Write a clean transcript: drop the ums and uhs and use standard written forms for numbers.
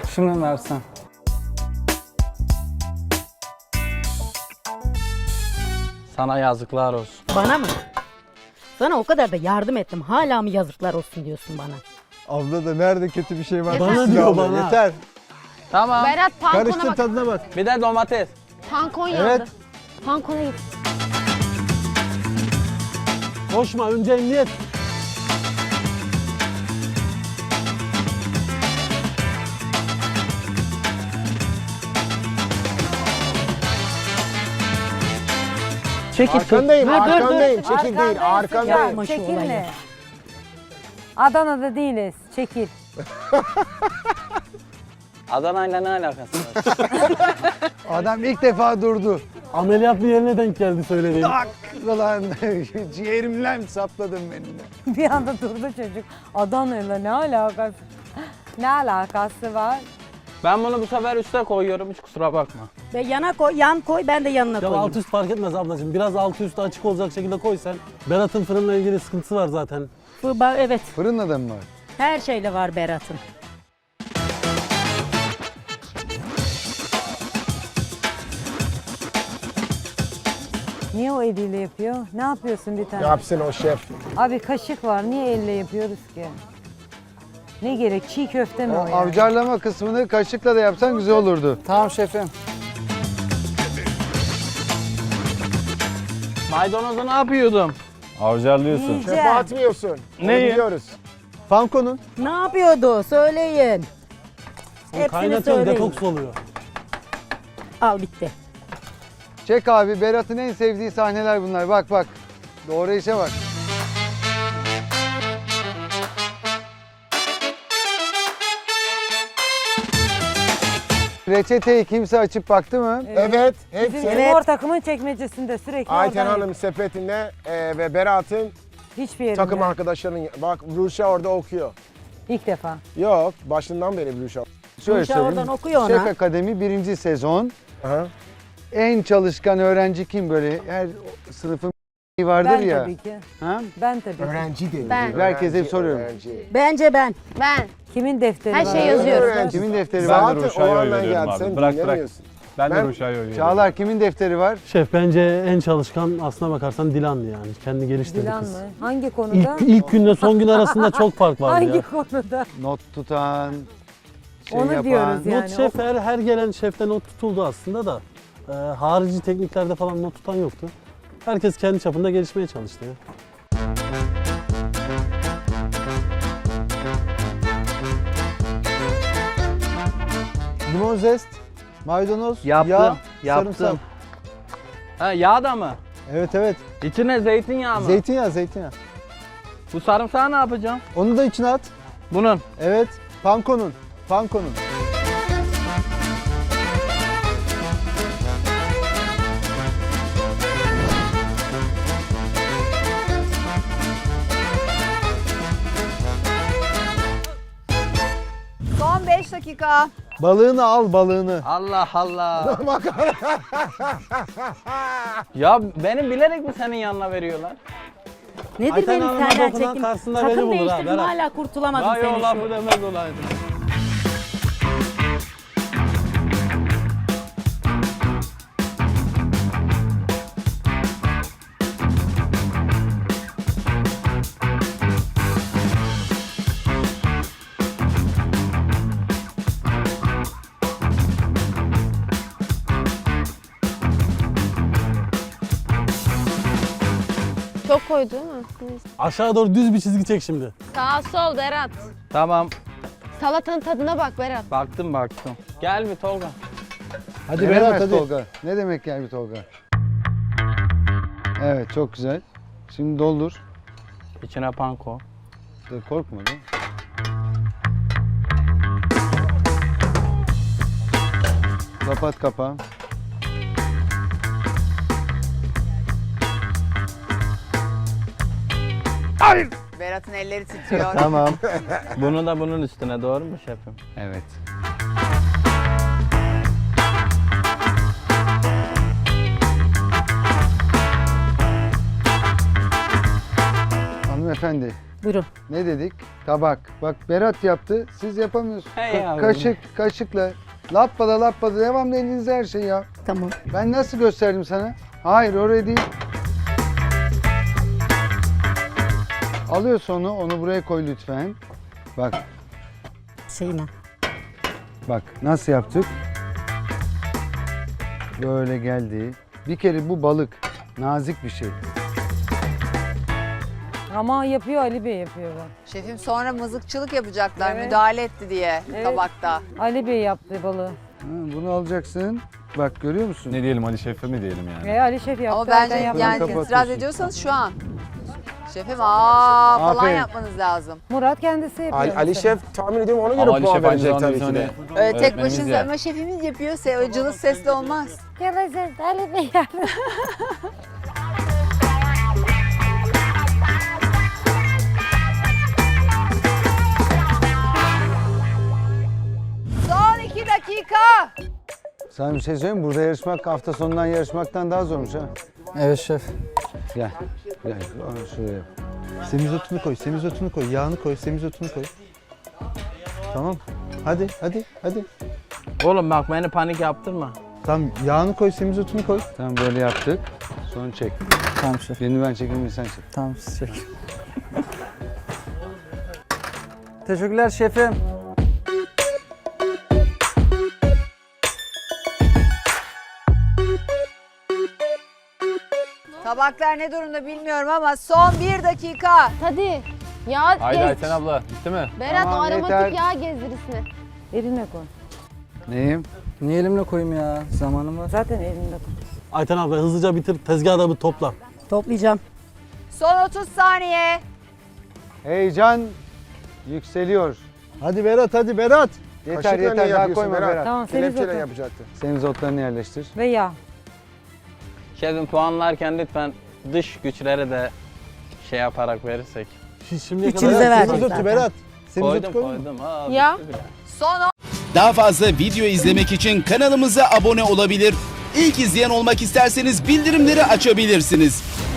Şunu versen. Sana yazıklar olsun. Bana mı? Sana o kadar da yardım ettim. Hala mı yazıklar olsun diyorsun bana? Abla da nerede kötü bir şey var? Yeter. Bana diyor bana. Yeter. Tamam. Berat pankona Karıştır bak. tadına bak. Bir de domates. Pankon yandı. Evet. Pankona git. Koşma, önce emniyet. Çekil. Arkandayım, Dur, dur, dur. arkandayım. Çekil değil, arkandayım. Yapma şu Çekil olayı. ne? Adana'da değiliz. Çekil. Adana'yla ne alakası var? Adam ilk defa durdu. Ameliyat bir yerine denk geldi söylediğin. Tak! Ulan ciğerimden sapladın beni de. Bir anda durdu çocuk. Adana'yla ne alakası? Ne alakası var? Ben bunu bu sefer üste koyuyorum, hiç kusura bakma. Ve yana koy, yan koy, ben de yanına Ya koyayım. alt üst fark etmez ablacığım. Biraz altı üstü açık olacak şekilde koy sen. Berat'ın fırınla ilgili sıkıntısı var zaten. Evet, Fırınla da mı var? her şeyle var Berat'ın. Niye o eliyle yapıyor? Ne yapıyorsun bir tane? Yapsın o şef. Abi kaşık var. Niye elle yapıyoruz ki? Ne gerek? Çiğ köfte mi O o yani? avcarlama kısmını kaşıkla da yapsan güzel olurdu. Tamam şefim. Maydanozu ne yapıyordum? Avcarlıyorsun. Yiyeceğim. Şefe atmıyorsun. Onu Neyi? biliyoruz. Panko'nun. Ne yapıyordu? Söyleyin. O Hepsini kaynatıyor, söyleyin. detoks oluyor. Al bitti. Çek abi, Berat'ın en sevdiği sahneler bunlar. Bak bak. Doğru işe bak. Reçeteyi kimse açıp baktı mı? Evet, Bizim hepsi. spor takımın çekmecesinde sürekli Ayten oradan Hanım sepetinde ve Berat'ın hiçbir yerinde. takım arkadaşlarının... Bak Ruşa orada okuyor. İlk defa. Yok, başından beri Ruşa. Şöyle Ruşa söyleyeyim. oradan okuyor ona. Şef Akademi 1. sezon. Aha. En çalışkan öğrenci kim böyle? Her sınıfın vardır Ben ya. tabii ki. Ha? Ben tabii ki. Öğrenci dedi. Ben. Herkese Öğrenci, soruyorum. öğrenci. Bence ben. Ben. Kimin defteri Her var? şey yazıyor. Öğrenci. Kimin defteri Ben var? de Zaten Ruşa'ya o oy andan veriyorum geldi, abi. sen Bırak, dinlemiyorsun. Ben de Ben- Ruşa'ya oy veriyorum. Çağlar kimin defteri var? Şef bence en çalışkan aslına bakarsan Dilan'dı yani. Kendi geliştirdi Dilan kız. mı? Hangi konuda? İlk günle son gün arasında çok fark var Hangi ya. konuda? Not tutan, şey Onu yapan. diyoruz yani. Not şef her gelen şefte not tutuldu aslında da harici tekniklerde falan not tutan yoktu. Herkes kendi çapında gelişmeye çalıştı ya. Limon zest, maydanoz, Yaptım, yağ, sarımsak. Ha, yağ da mı? Evet evet. İçine zeytinyağı mı? Zeytinyağı, zeytinyağı. Bu sarımsağı ne yapacağım? Onu da içine at. Bunun. Evet. Panko'nun. Panko'nun. Son 5 dakika. Balığını al, balığını. Allah Allah. Ya benim bilerek mi senin yanına veriyorlar? Nedir Ayten benim Hanım'a senden dokunan çekim? karşısında beni Takım bulur ha, değiştirdim Berat. hala kurtulamadım Vay senin o şu. lafı demez olaydı. Çok koydu değil mi? Neyse. Aşağı doğru düz bir çizgi çek şimdi. Sağ sol Berat. Tamam. Salatanın tadına bak Berat. Baktım. Gel bir Tolga. Hadi Berat, Berat hadi. Tolga. Ne demek gel bir Tolga? Evet çok güzel. Şimdi doldur. İçine panko. Dur, korkma da. Kapat kapağı. Berat'ın elleri titriyor. Tamam. Bunu da bunun üstüne, doğru mu şefim? Evet. Hanımefendi, Buyurun. Ne dedik? Tabak. Bak Berat yaptı. Siz yapamıyorsunuz. Hey yavrum. Kaşıkla. Lappada devamlı elinizde her şey ya. Tamam. Ben nasıl gösterdim sana? Hayır oraya değil. Alıyorsun onu buraya koy lütfen. Bak, Şeyine. bak nasıl yaptık? Böyle geldi. Bir kere bu balık nazik bir şey. Ama yapıyor, Ali Bey yapıyor bak. Şefim sonra mızıkçılık yapacaklar Evet. müdahale etti diye Evet. tabakta. Ali Bey yaptı balığı. Ha, bunu alacaksın. Bak görüyor musun? Ne diyelim Ali Şef'e mi diyelim yani? Ali Şef yaptı. Ama bence Erden yaptı. yani Kapatıyorsun. itiraz ediyorsanız şu an. Şefim falan Aferin. yapmanız lazım. Murat kendisi yapıyor. Ali mesela. Şef tahmin ediyorum ona göre Ama Ali puan Şef aynı verecek zamanda tabii bizim ki de. hani Öyle tek öğretmenimiz başınıza ya. ama şefimiz yapıyor. O cılız sesli olmaz. Gelecek Ali Bey yaptı. Son 2 dakika. Sana bir şey söyleyeyim mi? Burada yarışmak hafta sonundan yarışmaktan daha zormuş ha. Evet şef. Gel. Gel. Şuraya yap. Semizotunu koy, semizotunu koy, yağını koy, semizotunu koy. Tamam. Hadi, hadi, hadi. Oğlum bak beni panik yaptırma. Tamam, yağını koy, semizotunu koy. Tamam böyle yaptık. Sonra çek. Tamam şef. Birini ben çekeyim, birini sen çek. Tamam çek. Teşekkürler şefim. Tabaklar ne durumda bilmiyorum ama son 1 dakika. Hadi. Yağ Haydi gez. Ayten abla bitti mi? Berat Tamam, o aromatik yeter. yağ gezdirisine. Eline koy. Neyim? Niye elimle koyayım ya? Zamanım var. Zaten elinde koy. Ayten abla hızlıca bitir, tezgahı da bir topla. Toplayacağım. Son 30 saniye. Heyecan yükseliyor. Hadi Berat, hadi Berat. Yeter Kaşıkla yeter niye daha yapıyorsun koyma Berat? Berat. Tamam, Kelepçeyle semizotu. yapacaktı. Semizotlarını yerleştir. Ve yağ. Şefim puanlarken lütfen dış güçlere de şey yaparak verirsek. Şimdiye İçinize kadar verdim Semizotu zaten. Berat. Semizotu Koydum koy. koydum. Aa, Ya. bitti bile. Son Daha fazla video izlemek için kanalımıza abone olabilir. İlk izleyen olmak isterseniz bildirimleri açabilirsiniz.